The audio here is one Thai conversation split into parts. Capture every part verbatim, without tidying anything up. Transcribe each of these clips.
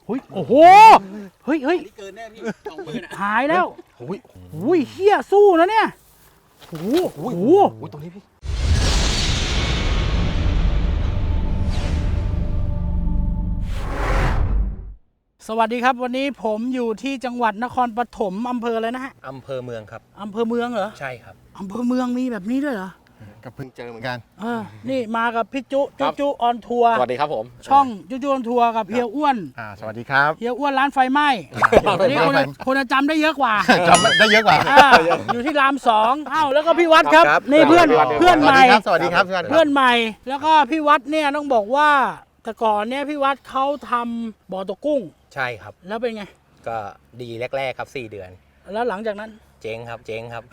เฮ้ยโอ้โหเฮ้ยเฮ้ยเกินแน่พี่สองหมื่นหายแล้วโอ้ยอุ้ยเฮียสู้นะเนี่ยโอ้โหโอ้โหโอ้ยตรงนี้พี่สวัสดีครับวันนี้ผมอยู่ที่จังหวัดนครปฐมอำเภออะไรนะฮะอำเภอเมืองครับอำเภอเมืองเหรอใช่ครับอำเภอเมืองมีแบบนี้ด้วยเหรอก็เพิ่งเจอเหมือนกันเออนี่มากับพี่จุจุจุออนทัวร์สวัสดีครับผมช่องจุจุออนทัวร์กับเฮียอ้วนอ่าสวัสดีครับเฮียอ้วนร้านไฟไหม้วันนี้คนคนจะจำได้เยอะกว่าจำได้เยอะกว่าอ่าอยู่ที่รามสองอ้าวแล้วก็พี่วัดครับครับนี่เพื่อนสวัสดีเพื่อนใหม่ครับสวัสดีครับสวัสดีครับเพื่อนใหม่แล้วก็พี่วัดเนี่ยต้องบอกว่าแต่ก่อนเนี่ยพี่วัดเขาทำบ่อตกกุ้งใช่ครับแล้วเป็นไงก็ดีแรกๆครับสี่เดือนแล้วหลังจากนั้นเจ๊งครับ เจ๊งครับ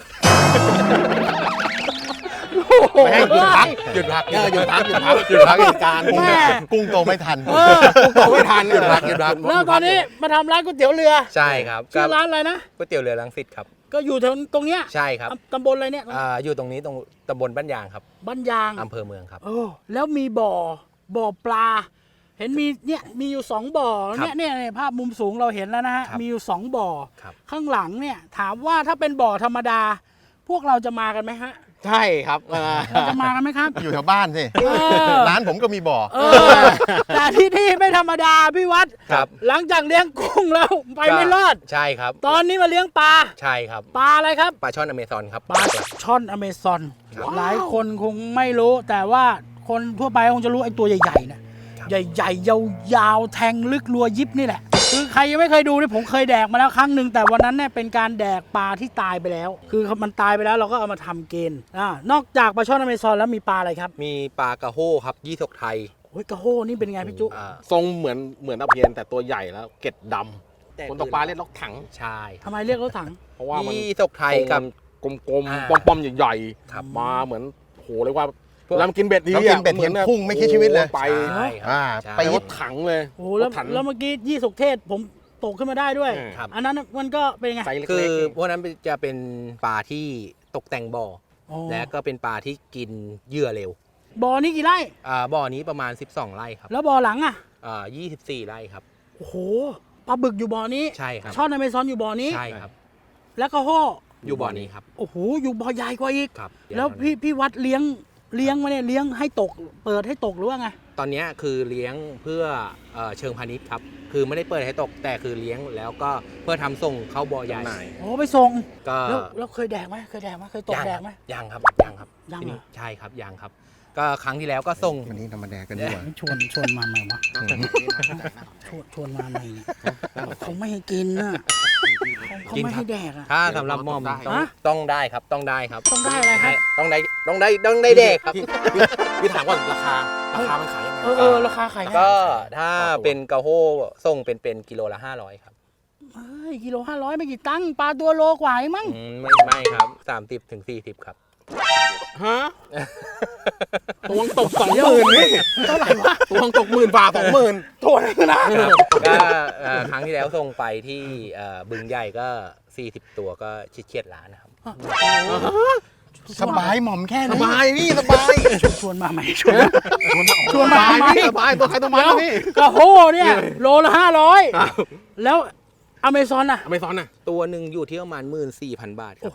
ไม่ให้หยุดพักหยุดพักเออหยุดพักหยุดพักหยุดพักเหตุการณ์แม่กุ้งโตไม่ทันเออกุ้งโตไม่ทันหยุดพักหยุดพักแล้วตอนนี้มาทำร้านก๋วยเตี๋ยวเรือใช่ครับชื่อร้านอะไรนะก๋วยเตี๋ยวเรือรังสิตครับก็อยู่แถวตรงเนี้ยใช่ครับตำบลอะไรเนี่ยอ่าอยู่ตรงนี้ตรงตำบลบ้านยางครับบ้านยางอำเภอเมืองครับโอ้แล้วมีบ่อบ่อปลา เห็นมีเนี่ยมีอยู่สองบ่อครับเนี่ยเนี่ยเนี่ยภาพมุมสูงเราเห็นแล้วนะฮะครับมีอยู่สองบ่อครับข้างหลังเนี่ยถามว่าถ้าเป็นบ่อธรรมดา พวกเราจะมากันไหมฮะใช่ครับเราจะมากันไหมครับอยู่แถวบ้านสิเออร้านผมก็มีบ่อเออแต่ที่นี่ไม่ธรรมดาพี่วัดครับหลังจากเลี้ยงกุ้งแล้วไปไม่รอดใช่ครับตอนนี้มาเลี้ยงปลาใช่ครับปลาอะไรครับปลาช่อนอเมซอนครับปลาช่อนอเมซอนครับหลายคนคงไม่รู้ แต่ว่าคนทั่วไปคงจะรู้ไอ้ตัวใหญ่ๆนะใหญ่ๆยาวๆแทงลึกรัวยิบนี่แหละคือใครยังไม่เคยดูนี่ผมเคยแดกมาแล้วครั้งหนึ่งแต่วันนั้นเนี่ยเป็นการแดกปลาที่ตายไปแล้ว คือมันตายไปแล้วเราก็เอามาทำเกณฑ์อ่านอกจากปลาช่อนอเมซอนแล้วมีปลาอะไรครับมีปลากระโห้ครับยี่สกไทยโอ้ยกระโฮนี่เป็นไงพี่จุอ่าทรงเหมือนเหมือนตะเพียนแต่ตัวใหญ่แล้วเกล็ดดำคนตกปลาเรียกล็อกถังใช่ทำไมเรียกรถถังเพราะว่ามันยี่สกไทยกับกลมอ่าๆป้อมๆใหญ่ครับๆมาเหมือนโหเรียกว่าเวลามันกินเบ็ดทีแล้วกินเบ็ดเห็นพุ่งไม่คิดชีวิตเลยไปใช่ครับอ่าใช่ไปไปรถถังเลยโอ้โหแล้วรถถังแล้วเมื่อกี้ยี่สกเทศผมตกขึ้นมาได้ด้วยอืมครับอันนั้นมันก็เป็นไงไซส์เล็กคือๆพวกนั้นจะเป็นปลาที่ตกแต่งบ่ออ๋อและก็เป็นปลาที่กินเหยื่อเร็วบ่อนี้กี่ไร่อ่าบ่อนี้ประมาณสิบสองไร่ครับแล้วบ่อหลังอ่ะอ่ายี่สิบสี่ไร่ครับโอ้โหปลาบึกอยู่บ่อนี้ใช่ครับช่อนอเมซอนอยู่บ่อนี้ใช่ครับแล้วก็โฮอยู่บ่อนี้ครับโอ้โหอยู่บ่อใหญ่กว่าอีกครับแล้วพี่พี่วัดเลี้ยงเลี้ยงมาเนี่ยเลี้ยงให้ตก เปิดให้ตกหรือว่าไงตอนนี้คือเลี้ยงเพื่อเอ่อเชิงพาณิชย์ครับ คือไม่ได้เปิดให้ตกแต่คือเลี้ยงแล้วก็เพื่อทำส่งเข้าบ่อใหญ่จำหน่ายโอ้ไปส่งก็แล้วแล้วเคยแดกไหมเคยแดกไหมเคยตกยังแดกไหมยังครับยังครับยังทีเหรนี้อใช่ครับยังครับ ก็ครั้งที่แล้วก็ส่งวันนี้ธรรมดากันดีกว่าชวนชวนมาใหม่วะชวนชวนมาใหม่เนี่ยเขาไม่ให้กินนะเขาไม่ให้แดกอ่ะถ้าสำหรับหม่อมต้องฮะต้องได้ครับต้องได้ครับต้องได้อะไรครับต้องได้ต้องได้ต้องได้เด็กครับพี่พี่ถามก่อนราคาราคามันขายยังไงเออเออราคาขายไงก็ถ้าเป็นกระโฮส่งเป็นเป็นกิโลละห้าร้อยครับเฮ้ยกิโลห้าร้อยไม่กี่ตังค์ปลาตัวโลกว่าเองมั้งอืมไม่ไม่ครับสามสิบถึงสี่สิบครับฮะตัวงตกสองหมื่นนี่เท่าไหร่วะตัวงตกหมื่นฝ่าสองหมื่นตัวนึงนะก็เอ่อครั้งที่แล้วส่งไปที่เอ่อบึงใหญ่ก็สี่สิบตัวก็ชิดเฉียดล้านนะครับสบายหม่อมแค่สนี้บายนี่สบายชวนมาใหม่ชวนชวนสมาบายใหม่นี่สบายตัวใครตัวมันแล้วนี่กระโฮเนี่ยโลละห้าร้อยแล้วอเมซอนอ่ะอเมซอนน่ะตัวหนึ่งอยู่ที่ประมาณหมื่นสี่พันบาทครั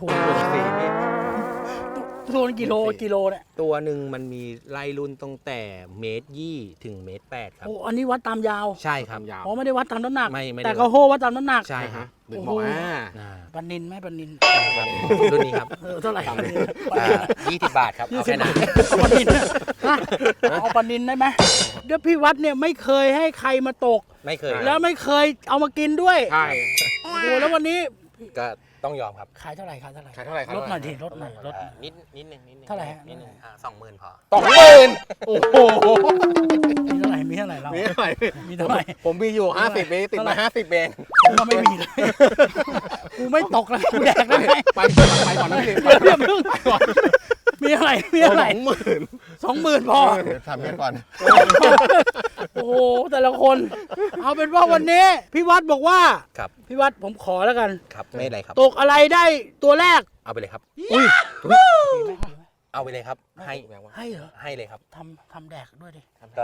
โอ้บโหตัวนึงกิโลกิโลเนี่ยตัวหนึ่งมันมีไล่รุ่นตั้งแต่เมตรยี่ถึงเมตรแปดครับโอ้อันนี้วัดตามยาวใช่ครับยาวอ๋อไม่ได้วัดตามน้ำหนักไม่ไม่ได้แต่กระโฮวัดตามน้ำหนักใช่ครับดึงบอกอ่าอ่าปันนินไหมปันนินรุ่นนี้ครับเออเท่าไหร่ปันนินยี่สิบบาทครับเอาแค่นั้นเอาปันนินนะเอาปันนินได้ไหมเดี๋ยวพี่วัดเนี่ยไม่เคยให้ใครมาตกไม่เคยแล้วไม่เคยเอามากินด้วยใช่โอ้โหแล้ววันนี้ก็ต้องยอมครับขายเท่าไหร่ขายเท่าไหร่ขายเท่าไหร่ครับลดหน่อยดิลดหน่อยลดหอ่าน่อยนิดนิดหนึ่งนิดหนึ่งเท่าไหร่ฮะนิดหนึ่งอ่าสองหมื่นพอสองหมื่นโอ้โหมีเท่าไหร่มีเท่าไหร่เรามีเท่าไหร่มีเท่าไหร่ผมมีอยู่ห้าสิบเองติดมาห้าสิบเองกูก็ไม่มีเลยกูไม่ตกแล้วกูแดกได้ไงไปไปก่อนนะพี่เดี๋ยวเดี๋ยวเพิ่งมีอะไรมีอะไรสองหมื่นสองหมื่นพอเดี๋ยวทำกันก่อนโอ้โหแต่ละคน เอาเป็นว่าวันนี้พี่วัดบอกว่าครับพี่วัดผมขอแล้วกันครับไม่เป็นไรครับตกอะไรได้ตัวแรกเอาไปเลยครับอุ้ยเอาไปเลยครับ ให้ให้เหรอให้เลยครับทำทำแดกด้วยดิก็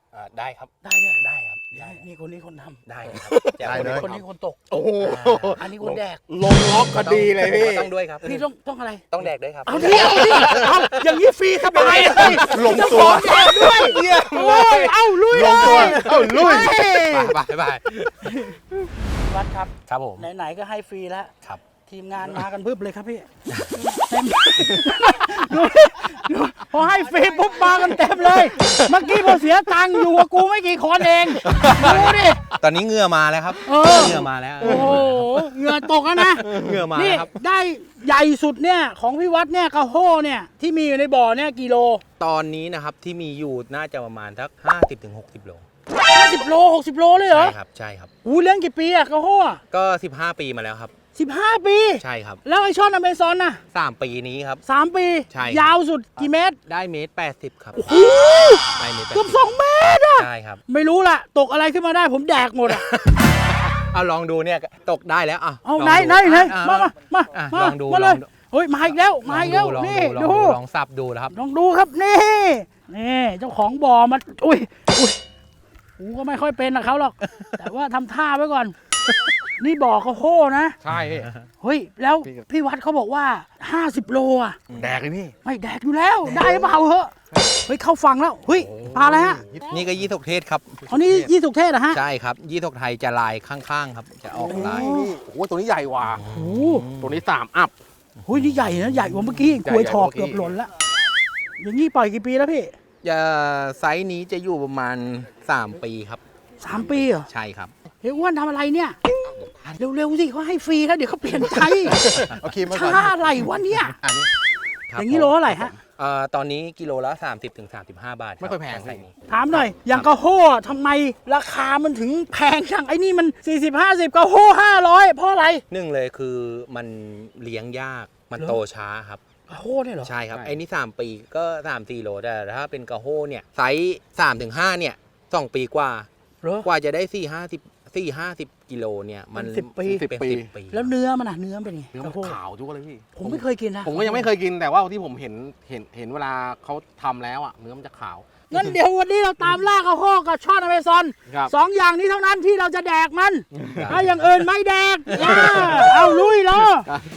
อ่าได้ครับได้เลยได้ครับได้นี่คนนี้คนทได้ครับแจกได้คนเลยนี้ำคนนี้คนตกโอ้โหอันนี้คนแดกลงล็อกคดีเลยพี่ต้องด้วยครับพี่ต้องต้องอะไรต้องแดกด้วยครับเอาดิเอาดิเอาอย่างนี้ฟรีสบายเลยลงตัวเจ้าของแดกด้วยโอ้ยเอาลุยลงตัว เอ้าลุยบายบายวัดครับครับผมไหนๆก็ให้ฟรีแล้วครับทีมงานมากันพึบเลยครับพี่เต็มดูดูพอให้ฟรีปุ๊บมากันเต็มเลย เมื่อกี้พอเสียตังค์อยู่กับกูไม่กี่คนเองดูดิตอนนี้เหงื่อมาแล้วครับเออเหงื่อมาแล้วโอ้โหเหงื่อตกแล้วนะเหงื่อมานี่แล้วครับได้ใหญ่สุดเนี่ยของพี่วัดเนี่ยกระโห้เนี่ยที่มีอยู่ในบ่อเนี่ยกิโลตอนนี้นะครับที่มีอยู่น่าจะประมาณสักห้าสิบถึงหกสิบโลห้าสิบโลหกสิบโลเลยเหรอใช่ครับใช่ครับอู้เลี้ยงกี่ปีอะกระโห้อะก็สิบห้าปีมาแล้วครับสิบห้าปีใช่ครับแล้วไอช่อนอเมซอนน่ะสามปีนี้ครับสามปีใช่ครับยาวสุดกี่เมตรได้เมตรแปดสิบครับโอ้โหได้เมตรแปดเกือบสิบสองเมตรอะใช่ครับไม่รู้ล่ะ ตกอะไรขึ้นมาได้ผมแดกหมดอะเอาลองดูเนี่ยตกได้แล้วอ่ะเอาลงไหนดูไหนไหนอ่ะมามามาอ่ะมาลองดูมาเลยลองดูเฮ้ยมาอีกแล้วมาอีกแล้วลองนี่ดูลองดูดูลองสับดูนะครับลองดูครับนี่นี่เจ้าของบ่อมาอุ้ยอุ้ยกูก็ไม่ค่อยเป็นนะเขาหรอก แต่ว่าทำท่าไว้ก่อน นี่บ่อกระโห้นะใช่พี่เฮ้ยแล้วพี่พี่วัดเขาบอกว่าห้าสิบโลอ่ะแดกเลยพี่ไม่แดกอยู่แล้วได้หรือเปล่าเหอะเฮ้ยเข้าฟังแล้วเฮ้ยปลาอะไรฮะนี่ก็ยี่สกเทศครับอันนี้ยี่สุกเทศเหรอฮะใช่ครับ ยี่สกไทยจะลายข้างๆครับ จะออกลายนี่โอ้โหตัวนี้ใหญ่กว่าโอ้โหตัวนี้สามอัพเฮ้ยนี่ใหญ่นะใหญ่กว่าเมื่อกี้ใหญ่กล้วยทอกใหญ่กว่าเมื่อกี้เกือบหล่นละอย่างนี้ปล่อยกี่ปีแล้วพี่จะไซส์นี้จะอยู่ประมาณสามปีครับสามปีเหรอใช่ครับเฮ้ยอ้วนทำอะไรเนี่ย เร็วๆสิเขาให้ฟรีแล้วเดี๋ยวเขาเปลี่ยนใจเอาครีมมาก่อนช้าอะไรวะเนี่ยอันนี้ครับอย่างนี้โลเท่าไหร่ฮะเอ่อตอนนี้กิโลละสามสิบถึงสามสิบห้าบาทรับไม่ค่อยแพงไซส์นี้ถามหน่อย อย่างกระโห้ทำไมราคามันถึงแพงจังไอ้นี่มัน สี่สิบ ห้าสิบกระโห้ห้าร้อยเพราะอะไรหนึ่งเลยคือมันเลี้ยงยาก มันเหรอโตช้าครับกระโห้เนี่ยเหรอใช่ครับ ไอ้นี่สามปีก็สามสี่โลแต่ถ้าเป็นกระโฮเนี่ยไซส์สามถึงห้าเนี่ยสองปีกว่าเหรอกว่าจะได้สี่ห้าสิบสี่ห้าสิบกิโลเนี่ยมันเป็นสิบปีเป็นสิบปีสิบปีแล้วเนื้อมันอะเนื้อเป็นไงเนื้อก มันระโห้ขาวจุกเลยพี่ผมไม่เคยกินนะผมก็ยังไม่เคยกินแต่ว่าที่ผมเห็นเห็นเห็นเวลาเขาทำแล้วอ่ะเนื้อมันจะขาวงั้นเดี๋ยววันนี้เราตามล่ากระโห้กับช่อนอเมซอนครับสองอย่างนี้เท่านั้นที่เราจะแดกมันถ้าอย่างอื่นไม่แดกอ่าเอาลุยเหรอ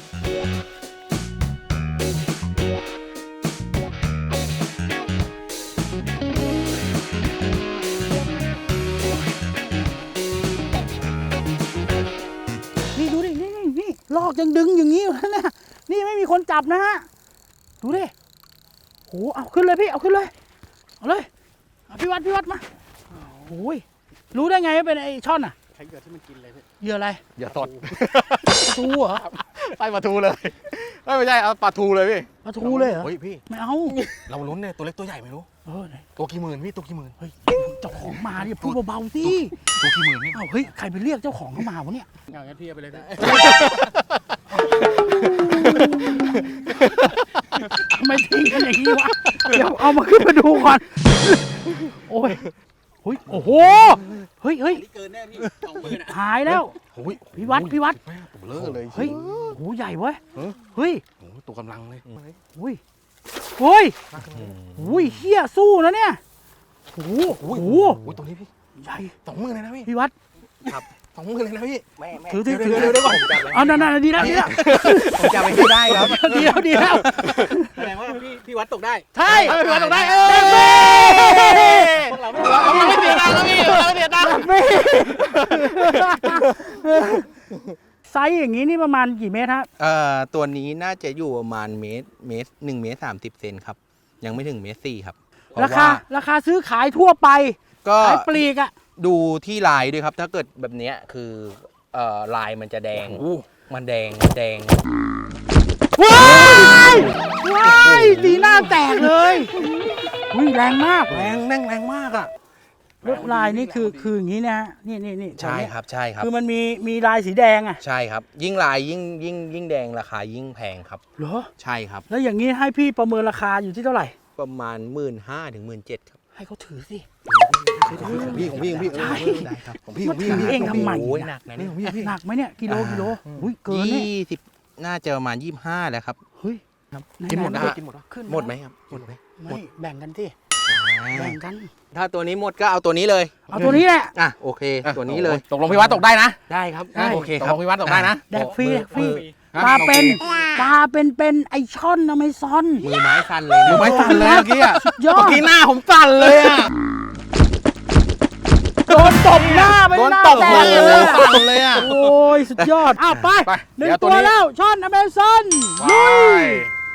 นี่ดูดิ นี่นี่นี่ลอกยังดึงอย่างนี้อยู่นะเนี่ยนี่ไม่มีคนจับนะฮะ ดูดิโหเอาขึ้นเลยพี่ เอาขึ้นเลย เอาเลยเอาพี่วัดพี่วัดมาโอ้ยรู้ได้ไงว่าเป็นไอ้ช่อนอ่ะใช้เหยื่อที่มันกินเลยพี่เหยื่ออะไรเหยื่อสดทูเหรอใส่ปลาทูเลยเอ้ยไม่ใช่เอาปลาทูเลยพี่ปลาทูเลยเหรอเฮ้ยพี่ไม่เอาเราลุ้นเนี่ยตัวเล็กตัวใหญ่ไม่รู้เออไหนตัวกี่หมื่นพี่ตัวกี่หมื่นเฮ้ยเจ้าของมาเนี่ยพูดเบาๆสิตัวกี่หมื่นนี่เอ้าเฮ้ยใครไปเรียกเจ้าของเข้ามาวะเนี่ยอย่างนั้นพี่เอาไปเลยพี่ทำไมทิ้งกันอย่างนี้วะเดี๋ยวเอามาขึ้นมาดูก่อนโอ้ยเฮ้ยโอ้โหเฮ้ยเฮ้ยเกินแน่พี่สองหมื่นหายแล้วโอ้ยพี่วัดพี่วัดแม่ตัวเบลอเลยเฮ้ยโหใหญ่เว้ยเฮ้ยโอ้โหตัวกำลังเลยอุ้ยเฮ้ยอุ้ยเฮียสู้นะเนี่ยโอ้โหโอ้โหโอ้ยตัวนี้พี่ใหญ่สองหมื่นเลยนะพี่พี่วัดสองหมื่นเลยนะพี่แม่แม่ถือถือถือเดี๋ยวเดี๋ยวเดี๋ยวก่อนเอานั่นนั่นดีแล้วดีแล้วผมจะไปให้ได้ครับดีแล้วดีแล้วแสดงว่าพี่พี่วัดตกได้ใช่เอาไปพี่วัดตกได้เออเด็กเบ้พวกเราเราไม่เสียตังค์แล้วพี่เราไม่เสียตังค์เบ้ไซส์อย่างนี้นี่ประมาณกี่เมตรฮะเอ่อตัวนี้น่าจะอยู่ประมาณเมตรเมตรหนึ่งเมตรสามสิบเซนครับ ยังไม่ถึงเมตรสี่ครับเพะราคาว่ราคาซื้อขายทั่วไปก็ขายปลีกอะดูที่ลายด้วยครับ ถ้าเกิดแบบเนี้ยคือเอ่อลายมันจะแดง มันแดงแดงว้ายว้ายสีหน้าแตกเลยอุ้ยแรงมากแรงแน่งแรงมากอ่ะลวดลายนี่คือคืออย่างนี้นะฮะนี่นี่นี่ใช่ครับใช่ครับคือมันมีมีลายสีแดงอะใช่ครับ ยิ่งลายยิ่งยิ่งยิ่งแดงราคายิ่งแพงครับเหรอใช่ครับแล้วอย่างนี้ให้พี่ประเมินราคาอยู่ที่เท่าไหร่ประมาณหมื่นห้าถึงหมื่นเจ็ดครับให้เขาถือสิของพี่ของพี่ของพี่ใช่ได้ครับของพี่ของพี่มาถือเองทำไมโอ้ยนะหนักนะนี่เนี่ยของพี่พี่หนักไหมเนี่ยกิโลกิโลอุ้ยเกินเนี่ยยี่สิบน่าจะประมาณยี่สิบห้าแล้วครับเฮ้ยกินหมดนะไหๆกินหมดนะขึ้นหมดไหมครับหมดไหมไม่แบ่งกันที่อแบ่งกันถ้าตัวนี้หมดก็เอาตัวนี้เลยเอาตัวนี้แหละอ่ะโอเค ตัวนี้เลยตกลงพี่วัดตกได้นะได้ครับได้โอเคตกคลรับงพี่วัดตกได้นะแดกฟรีแดกฟรีมือปลาเป็นโอคปลาเป็นเป็นไอช่อนอเมซอนมือไม้สั่นเลยนะมือไม้สั่นเลยเมื่อกี้อะยอเมื่ดอกี้หน้าผมสั่นเลยอะโดนตบหน้าไปโดนหน้าตบแตหัวกเลเลย ยสั่นเลยอะโอ้ยสุดยอดอ้าวไปไปหนึ่งเดี๋ยวตัตัว วนี้แล้วช่อนอเมซอนไปลุย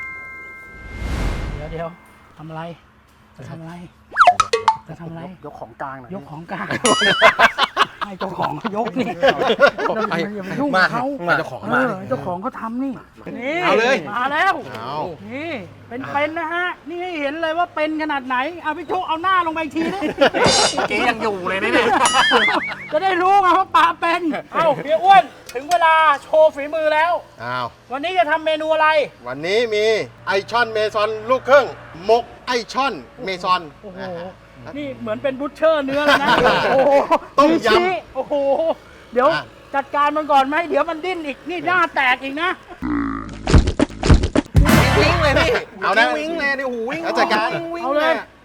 เดี๋ยวเดี๋ยวทำอะไรจะทำอะไรจะทำอะไรยกของกลางหน่อยยกของกลางให้เจ้าของเขายกนี่ไอ้อย่าไปยุ่งกับเขามาเจ้าของเอมาอเจ้าของเขาทำนี่นี่เอาเลยมาแล้วเอานี่เป็นเป็นนะฮะนี่ให้เห็นเลยว่าเป็นขนาดไหนเอาพี่โชคเอาหน้าลงไปอีกทีนะเจ๊ยังอยู่เลยนะเนี่ยจะได้รู้ไงว่าปลาเป็นเอ้าพี่อ้วนถึงเวลาโชว์ฝีมือแล้วอ้าววันนี้จะทำเมนูอะไรวันนี้มีไอช่อนเมซอนลูกครึ่งหมกไอช่อนเมซอนโอ้โหนะฮะนี่เหมือนเป็นบูชเชอร์เนื้อเลยนะโอ้โหต้มยำชี้โอ้โหเดี๋ยวอ่ะจัดการมันก่อนไหมเดี๋ยวมันดิ้นอีกนี่หน้าแตกอีกนะวิ่งเลยพี่เอานะวิ่งเลยดิโอ้โหวิ่งแล้วจัดการวิ่งเอาเลย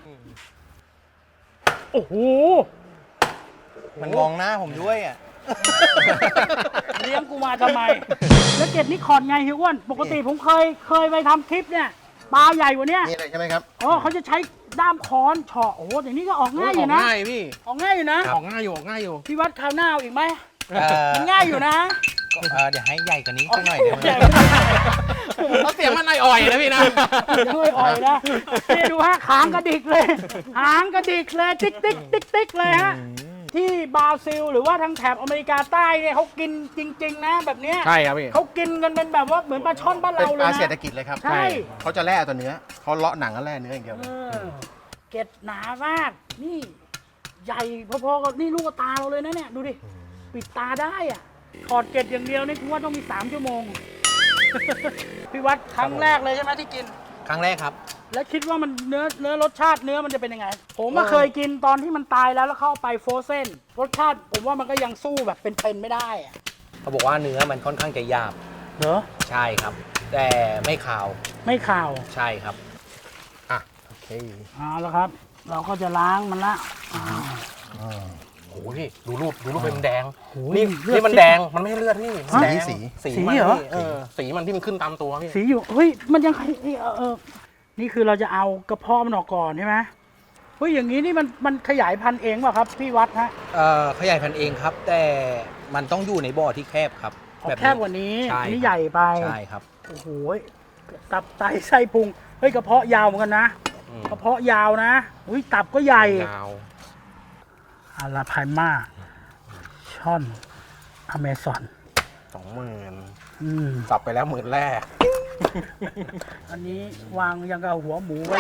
โอ้โหมันมองหน้าผมด้วยอ่ะเลี้ยงกูมาทำไม แล้วเก็บนิคอนไงเฮียอ้วน ปกติผมเคยเคยไปทำคลิปเนี่ยปลาใหญ่กว่าเนี้ยนี่เลยใช่ไหมครับอ๋อเขาจะใช้ด้ามค้อนเฉาะโอ้โหอย่างนี้ก็ออกง่ายอยู่นะง่ายพี่ออกง่ายอยู่นะออกง่ายอยู่ออกง่ายอยู่พี่วัดคราวหน้าเอาอีกไหมเอ่อมันง่ายอยู่นะเอ่อเดี๋ยวให้ใหญ่กว่านี้สักหน่อยได้ไหมใหญ่เขาเสียงมันอ่อยๆนะพี่นะด้วยอ่อยนะนี่ดูฮะหางกระดิกเลย หางกระดิกเลยติ๊กติ๊กติ๊กติ๊กเลยฮะ ที่บราซิลหรือว่าทางแถบอเมริกาใต้เนี่ยเขากินจริง ๆ นะแบบเนี้ยใช่ครับพี่เขากินกันเป็นแบบว่าเหมือนปลาช่อนบ้านเป็นเราปเลยลานะเศรษฐกิจเลยครับใช่เขาจะแล่ตัวเนื้อเขาเลาะหนังก็แล่เนื้ออย่างเดียวเออเกล็ดหนามาก นี่ ใหญ่พอๆกับนี่ลูกตาเราเลยนะเนี่ย ดูดิ ปิดตาได้อ่ะถอดเกล็ดอย่างเดียวนี่คุณว่าต้องมีสามชั่วโมง พี่วัดครั้งแรกเลยใช่ไหมที่กินครั้งแรกครับแล้วคิดว่ามันเนื้อเนื้อรสชาติเนื้อมันจะเป็นยังไง ผมก็เคยกินตอนที่มันตายแล้วแล้วเข้าไปโฟรเซนรสชาติผมว่ามันก็ยังสู้แบบเป็นๆไม่ได้อะเขาบอกว่าเนื้อมันค่อนข้างจะหยาบเหรอใช่ครับ แต่ไม่ขาวไม่ข่าวใช่ครับโอเคเอาละครับ เราก็จะล้างมันละโอ้โหพี่ดูรูปดูรูปเป็นแดงโอ้ยนี่เลือดนี่มันแดงมันไม่ใช่เลือดพี่มันแดงสีสีสีมันเหรอพี่เออสีมันที่มันขึ้นตามตัวพี่สีอยู่เฮ้ยมันยังเออเออนี่คือเราจะเอากระเพาะมันออกก่อนใช่ไหมเฮ้ยอย่างนี้นี่มันมันขยายพันธุ์เองเปล่ะครับพี่วัดฮะเอ่อขยายพันธุ์เองครับ แต่มันต้องอยู่ในบ่อที่แคบครับขอแบบแคบกว่านี้ใช่อันนี้ครับใหญ่ไปใช่ครับโอ้โหตับไตไส้พุงเฮ้ยกระเพาะยาวเหมือนกันนะอืมกระเพาะยาวนะอุ้ยตับก็ใหญ่ยาวอาราพายมาช่อนอเมซอนสองหมื่นอืมสับไปแล้วหมื่นแรกอันนี้วางยังกับหัวหมูไว้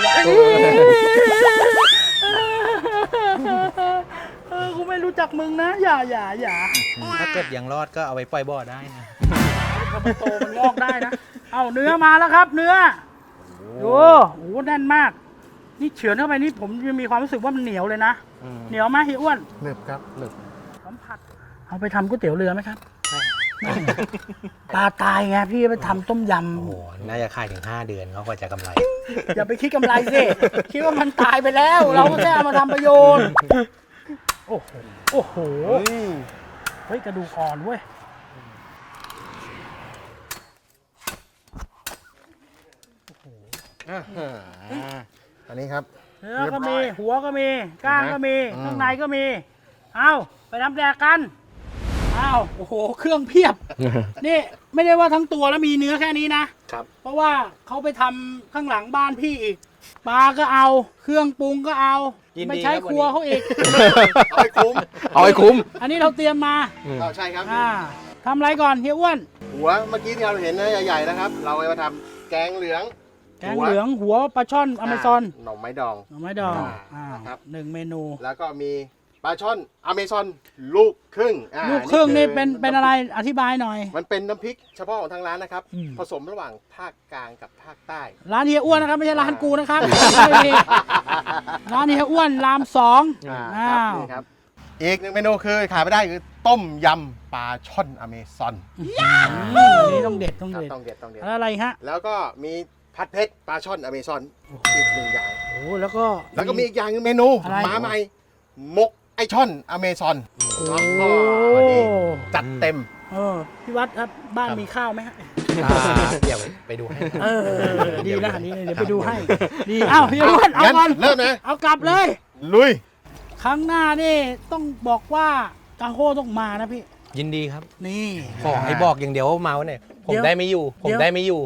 เออกูไม่รู้จักมึงนะ อย่าอย่าอย่าถ้าเกิดยังรอดก็เอาไว้ปล่อยบ่อได้นะพอมันโตมันงอกได้นะ เอาเนื้อมาแล้วครับ เนื้อดูโอ้โหแน่นมาก นี่เฉือนเข้าไปนี่ผมยังมีความรู้สึกว่ามันเหนียวเลยนะอืมเหนียวไหมพี่อ้วนหนึบครับหนึบสัมผัสเอาไปทำก๋วยเตี๋ยวเรือไหมครับไม่ปลาตายไงพี่ไปทำต้มยโอ้โห น่าจะขายถึงห้าเดือนเขาก็จะกำไรำอย่าไปคิดกำไรสิ คิดว่ามันตายไปแล้ว เราก็แค่เอามาทำประโยชน์ โอ้โห โอ้โห เฮ้ยกระดูกอ่อนเว้ยอ่าอันนี้ครับเนื้อก็มี หัวก็มี ก้างก็มี ข้างในก็มี เอาไปทำแดกกันอ้าวโอ้โห เครื่องเพียบ นี่ไม่ได้ว่าทั้งตัวแล้วมีเนื้อแค่นี้นะครับเพราะว่าเขาไปทำข้างหลังบ้านพี่อีก ปลาก็เอา เครื่องปรุงก็เอายินดีไม่ใช้ครับครัววันนี้เขาอีกเอาไปคุ้มเอาให้คุ้มอันนี้เราเตรียมมาเอาใช่ครับอ่าทำอะไรก่อนเฮียอ้วนหัวเมื่อกี้ที่เราเห็นนะใหญ่ๆนะครับ เราเอามาทำแกงเหลืองแกงเหลืองหัวปลาช่อนอเมซอนหน่อไม้ดองหน่อไม้ดองอ่าอ่าครับหนึ่งเมนูแล้วก็มีปลาช่อนอเมซอนลูกครึ่งอ่าลูกครึ่งนี่อเป็นเป็นอะไรอธิบายหน่อยมันเป็นน้ำพริกเฉพาะของทางร้านนะครับอืมผสมระหว่างภาคกลางกับภาคใต้ร้านเฮียอ้วนนะครับ ไม่ใช่ร้านกูนะครับ ร้านเฮียอ้วนรามสองอ่าอ้าครับวนี่ครับ อีกหนึ่งเมนูคือขาดไม่ได้คือต้มยำปลาช่อนอเมซอนอืมอันนี้ต้องเด็ดต้องครับเด็ดต้องเด็ดต้องเด็ดแล้วอะไรฮะแล้วก็มีผัดเผ็ดปลาช่อนอเมซอนอีกหนึ่งอย่างโอ้แล้วก็แล้วก็มีอีกอย่างหนึงเมนูอะไรมาใหม่หมกไอช่อนอเมซอนโอ้วันนี้จัดเต็มเออพี่วัดครับบ้านมีข้าวไหมฮะอ่าเดี๋ยวไปดูให้เออดีนะอันนี้เดี๋ยวไปดูให้ดีอ้าวพี่วัดเอางั้นก่อนเริ่มนะเอากลับเลยลุยครั้งหน้านี่ต้องบอกว่ากาโฮต้องมานะพี่ยินดีครับนี่ขอให้บอกอย่างเดียวว่าเมาเนี่ยผมเดี๋ยวได้ไม่อยู่ ผมเดี๋ยวได้ไม่อยู่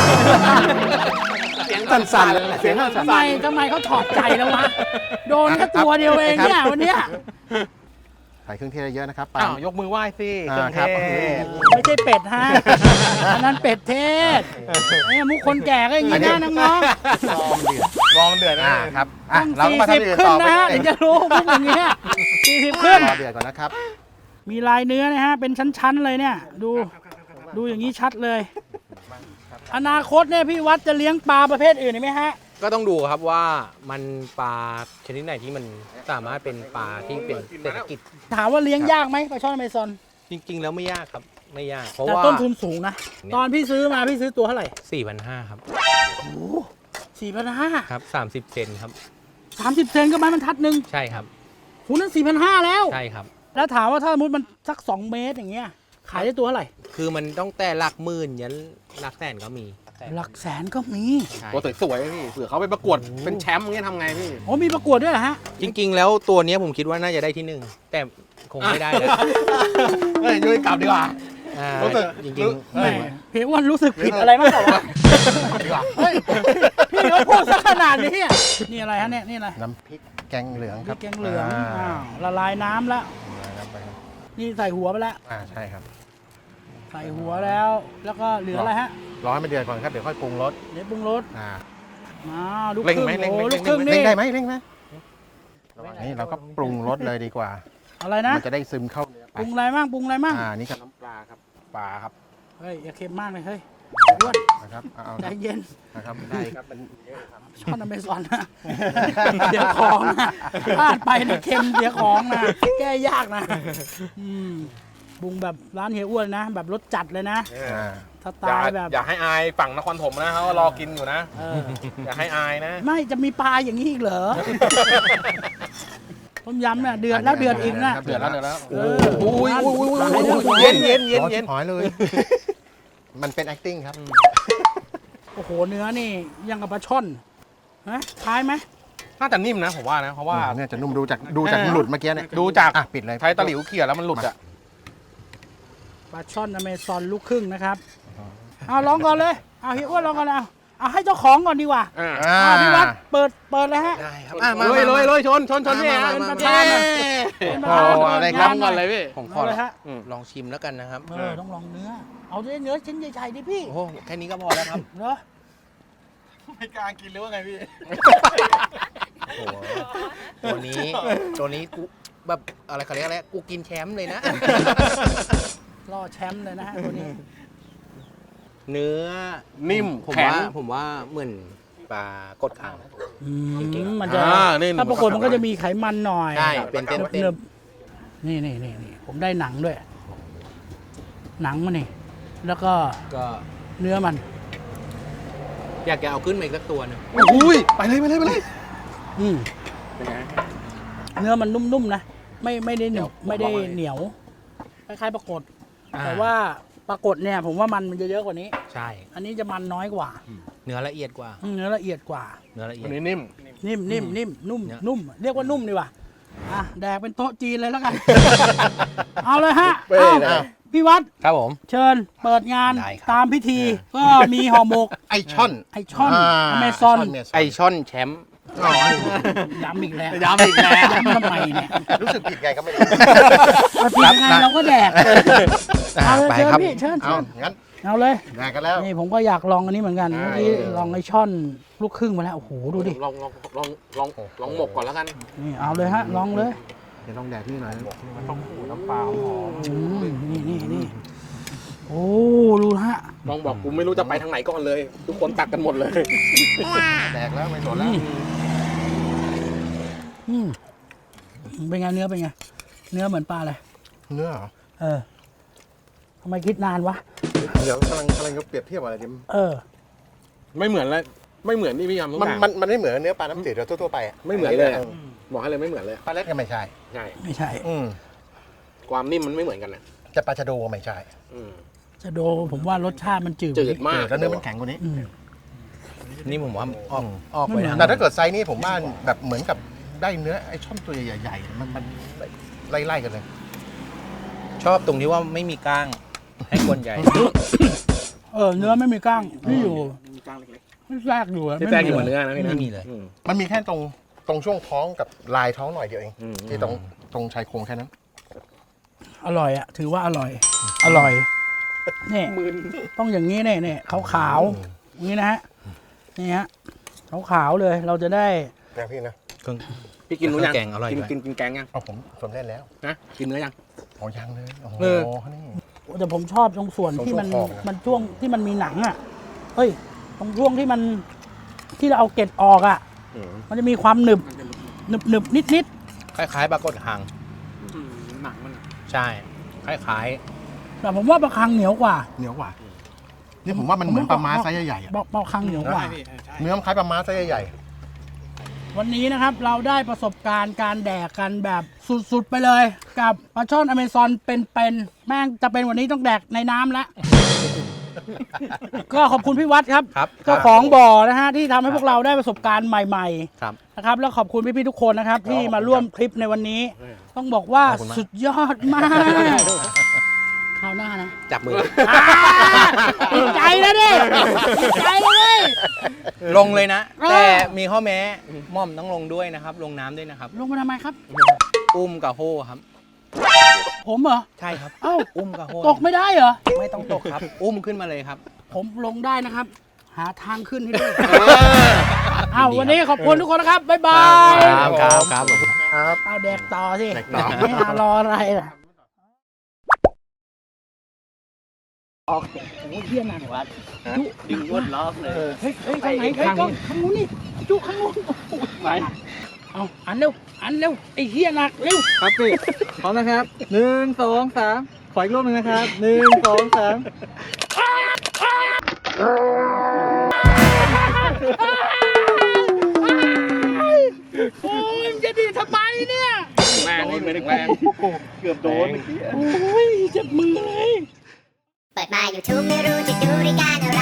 เสียงสั่นๆเสียงสั่นทำไมทำไมเขาถอดใจแล้ววะโดนแค่ตัวเดียวเองเนี่ยวันเนี้ยๆใส่เครื่องเทศเยอะนะครับปาอ้าวยกมือไหว้สิอ่าครับโอเคไม่ใช่เป็ดฮะอันนั้นเป็ดเทศเนี่ยมุกคนแก่ก็อย่างนี้นะน้องๆรอมันเดือดรอมันเดือดนะอ่าครับอ่ะต้องเราก็สี่มาสิบทำอย่างอื่นขึ้นต่อไปนะฮะเอถึงงจะรู้มุกอย่างเงี้ยสี่สิบขึ้นรอเดือดก่อนนะครับมีลายเนื้อนะฮะ เป็นชั้น ๆ เลยเนี่ย ดู ดูอย่างนี้ชัดเลย อนาคตเนี่ยพี่วัดจะเลี้ยงปลาประเภทอื่นไหมฮะก็ต้องดูครับว่ามันปลาชนิดไหนที่มันสามารถเป็นปลาที่เป็นเศรษฐกิจถามว่าเลี้ยงยากไหมปลาช่อนอเมซอนจริง ๆ แล้วไม่ยากครับ ไม่ยาก เพราะแต่ว่าต้นทุนสูงนะ ตอนพี่ซื้อมาพี่ซื้อตัวเท่าไหร่สี่พันห้าครับสี่พันห้าครับสามสิบเซนครับสามสิบเซนก็ไม้บรรทัดหนึ่งใช่ครับหูนั้นสี่พันห้าแล้วใช่ครับแล้วถามว่าถ้าสมมติมันสักสองเมตรอย่างเงี้ย ขายได้ตัวเท่าไหร่คือมันต้องแต่หลักหมื่นยันหลักแสนก็มีหลักแสนก็มีใช่ตัวสวยๆพี่เผื่อเขาไปประกวดเป็นแชมป์อย่างเงี้ยทำไงพี่โอ้มีประกวดด้วยเหรอฮะจริง ๆ แล้วตัวเนี้ยผมคิดว่าน่าจะได้ที่หนึ่งแต่คงไม่ได้แล้วเฮ้ยยุ้ยกลับดีกว่าอ่ารู้สึกจริงแหมเพียงวันรู้สึกผิดอะไรมากกว่าวะดีกว่าเฮ้ยพี่เขาพูดซะขนาดนี้อะนี่อะไรฮะเนี่ยนี่อะไรน้ำพริกแกงเหลืองพคริรับกแกงเหลืองาอ้าวละลายน้ำแล้วครับไปครับนี่ใส่หัวไปแล้วอ่าใช่ครับใส่หัวแล้ว แล้วก็เหลืออะไรฮะร้อนไม่เดือดก่อนครับเดี๋ยวค่อยปรุงรสเดี๋ยวปรุงรสอ่ามาลูกเร่งครึ่งไหมเร่งไหมโอ้เร่ลูงกไหมครึ่งเร่งนี่ได้ไหมเร่งไหมนี่เราก็ปรุงรสเลยดีกว่าอะไรนะมันจะได้ซึมเข้าเนื้อปไปรุงอะไรมั่งปรุงอะไรมั่งอ่านี่ก็น้ำปลาครับปลาครับเฮ้ยอย่าเค็มมากเลยเฮ้ยอ้วนนะครับเอาเอาใจเย็นนะครับได้ครับมันเยอะครับช้อนอเมซอนนะเดี๋ยวของนะพลาดไปนะเค็มเดี๋ยวของนะแก้ยากนะอืมปรุงแบบร้านเฮียอ้วนนะ แบบรสจัดเลยนะอ่าสไตอย่าล์แบบอย่าให้อายฝั่งนครถมนะเขารอกินอยู่นะเอออย่าให้อายนะไม่จะมีปลาอย่างนี้อีกเหรอ ต้มยำเนี่ยเดือดแล้วเดือดอีกนะเดือดแล้วเดือดแล้วเอออุ้ยอุ้ยอุ้ยเย็นเย็นเย็นเย็นร้อชิบหอยเลย มันเป็น acting ครับโอ้โหเนื้อนี่ยังกับปลาช่อนนะคล้ายไหมน่าจะนิ่มนะผมว่านะ เพราะว่าเนี่ยจะนุ่มดูจากดูจากหลุดเมื่อกี้เนี่ยดูจากอ่ะปิดเลยใช้ตะหลิวเขี่ยแล้วมันหลุดอ่ะปลาช่อนอเมซอนลูกครึ่งนะครับเอาลองก่อนเลยเอาเฮียอ้วนลองก่อนเลยเอาเอาให้เจ้าของก่อนดีกว่าอ่าอ่าเอาพี่วัดเปิดเปิดเลยฮะได้ครับอ่ะมาเลยเลยเลยชนชนชนพี่มาฮะเป็นประธานนะเป็นประธานโอ้อะไรครับก่อนเลยพี่ผมขอเอาเลยฮะลองชิมแล้วกันนะครับเออต้องลองเนื้อ เอาด้วยเนื้อชิ้นใหญ่ๆดิพี่โอ้โหแค่นี้ก็พอแล้วครับเนอะไม่กล้ากินหรือว่าไงพี่โอ้โหตัวนี้ตัวนี้กูแบบอะไรเขาเรียกอะไรกูกินแชมป์เลยนะล่อแชมป์เลยนะฮะตัวนี้เนื้อนิ่มผมแข็งว่าผมว่าเหมือนปลากดขาวอืมมันจะอ่านี่ถ้าปรากฏมันก็จะมีไขมันหน่อยใช่เป็นเต้นหนึบๆนี่นี่นี่นี่ผมได้หนังด้วย หนังมันนี่ แล้วก็ก็เนื้อมันอยากจะเอาขึ้นมาอีกสักตัวหนึงอุ้ยไปเลยไปเลยไปเลยอืมเป็นไงเนื้อมันนุ่มๆนะ ไม่ไม่ได้หนึบไม่ได้เหนียว คล้ายๆปรากฏ แต่ว่าปรากฏเนี่ย ผมว่ามันมันจะเยอะกว่านี้ใช่อันนี้จะมันน้อยกว่าเนื้อละเอียดกว่าอืมเนื้อละเอียดกว่าเนื้อละเอียวัดนนี้นิ่มนิ่มนิ่มนิ่มนุ่มเนี่ยนุ่ม เรียกว่านุ่มดีกว่าอ่ะแดกเป็นโต๊ะจีนเลยแล้วกัน เอาเลยฮะเป้เอานะพี่วัดครับผมเชิญเปิดงานได้ครับตามพิธี ก็มีห่อหมกไอช่อนไอช่อนอ่าอเมซอนช่เมซไอช่อนแชมป์อ๋อย้ำอีกแล้วย้ำอีกแล้วย้ำทำไมเนี่ยรู้สึกผิดไงก็ไม่รู้เราผิดยังไงเราก็แดก เอาเลยไปเชิญครับพี่เชิญเอาเชิญงั้นเอาเลยแดกกันแล้วนี่ผมก็อยากลองอันนี้เหมือนกันใช่เมื่อกี้ลองไอช่อนลูกครึ่งมาแล้วโอ้โหดูดิลองลองลองลองลองหมกก่อนแล้วกันนี่เอาเลยฮะลองเลยเดี๋ยวลองแดกนี่หน่อยต้องขูดน้ำปลาหอมอืมนี่นี่นี่โอ้ดูฮะลองบอกกูไม่รู้จะไปทางไหนก่อนเลย ทุกคนตักกันหมดเลยแดกแล้วไม่สนแล้วอืมเป็นไงเนื้อเป็นไง เนื้อเหมือนปลาเลยเนื้อเหรอเออทำไมคิดนานวะเดี๋ยวกำลังกำลังจะเปรียบเทียบอะไรดิเออไม่เหมือนแล้วไม่เหมือนที่พี่ยำทุกมันอย่างมันมันไม่เหมือนเนื้อปลาน้ำจืดเราทั่วๆไปอะไม่เหมือนเลยอะบอกให้เลยไม่เหมือนเลยปลาเล็ดก็ไม่ใช่ใช่ไม่ใช่อืมความนิ่มมันไม่เหมือนกันนะจะปลาชะโดก็ไม่ใช่อืมจะโดผมว่ารสชาติมันจืดจืดมากแล้วเนื้อมันแข็งกว่านี้อืมนี่ผมว่าออกอืมออกไปทางแต่ถ้าเกิดไซส์นี้ผมว่าแบบเหมือนกับได้เนื้อไอ้ช่อนตัวใหญ่ๆมันมันไล่ๆกันเลยชอบตรงที่ว่าไม่มีก้างให้คนใหญ่เออเนื้อไม่มีกล้างที่อยู่ไม่แทรกอยู่อะที่แทรกอยู่บนเนื้อนะพี่นะไม่มีเลยอืมมันมีแค่ตรงตรงช่วงท้องกับลายท้องหน่อยเดียวเองอืมที่ตรงตรงชายโครงแค่นั้นอร่อยอ่ะถือว่าอร่อย อร่อยนี่ต้องอย่างนี้เนี่ยเนี่ยขาวขาวๆอย่างนี้นะฮะนี่ฮะขาวขาวๆเลยเราจะได้นะพี่นะเครื่องพี่กินรู้ยังแกงอร่อยกินด้วยกินกินแกงยังเอาผมผมเล่นแล้วนะกินเนื้อยังอ๋อยังเลยโอ้โหเออนี่แต่ผมชอบตรงส่วนที่มันตรงช่วงคอนะมันช่วงที่มันมีหนังอ่ะเฮ้ยตรงช่วงที่มันที่เราเอาเกล็ดออกอ่ะอืมมันจะมีความหนึบหนึบหนึบนิดนิดคล้ายๆปลากดหางหนังมันใช่ คล้ายๆแต่ผมว่าปลาคังเหนียวกว่าเหนียวกว่านี่ผมว่ามันเหมือนปลาม้าไซส์ใหญ่ๆอะปลาปลาคังเหนียวกว่าเนื้อมันคล้ายปลาม้าไซส์ใหญ่วันนี้นะครับเราได้ประสบการณ์การแดกกันแบบสุดๆไปเลย กับปลาช่อนอเมซอนเป็นๆแม่งจะเป็นวันนี้ต้องแดกในน้ำแล้ว ก็ขอบคุณพี่วัดครับๆ ครับเจ้าของบ่อนะฮะที่ทำให้พวกเราได้ประสบการณ์ใหม่ครับๆนะครับแล้วขอบคุณพี่ๆทุกคนนะครับ ที่มาร่วมคลิปในวันนี้ ต้องบอกว่าสุดยอดมากคราวหน้านะจับมืออ่าติดใจแล้วดิติดใจเลยลงเลยนะเออแต่มีข้อแม้ม่อมต้องลงด้วยนะครับ ลงน้ำด้วยนะครับลงมาทำไมครับอุ้มกับโฮครับผมเหรอใช่ครับเอ้าอุ้มกับโฮตกไม่ได้เหรอไม่ต้องตกครับ อุ้มขึ้นมาเลยครับผมลงได้นะครับ หาทางขึ้นให้ด้วยอ้าววันนี้ขอบคุณทุกคนนะครับ บ๊ายบายครับครับครับๆครับเอาแดกต่อสิแดกต่อไม่หารออะไรล่ะออกโอ้ยเฮี้ยหนักวัดจุดึงวนล้อเลยเฮ้ยเฮ้ยทางไหนเฮ้ยกล้องข้างนู้นนี่จุข้างนู้นไปเอาอันเร็วอันเร็วไอ้เฮี้ยหนักเร็วครับพี่พร้อมนะครับหนึ่งสองสามขออีกรอบหนึ่งนะครับหนึ่งสองสามโอ้ยจะดีทำไมเนี่ยแรงไม่ได้แรงเกือบโดนโอ้ยเจ็บมือเลยเปิดมา YouTube ไม่รู้จะดูรายการอะไร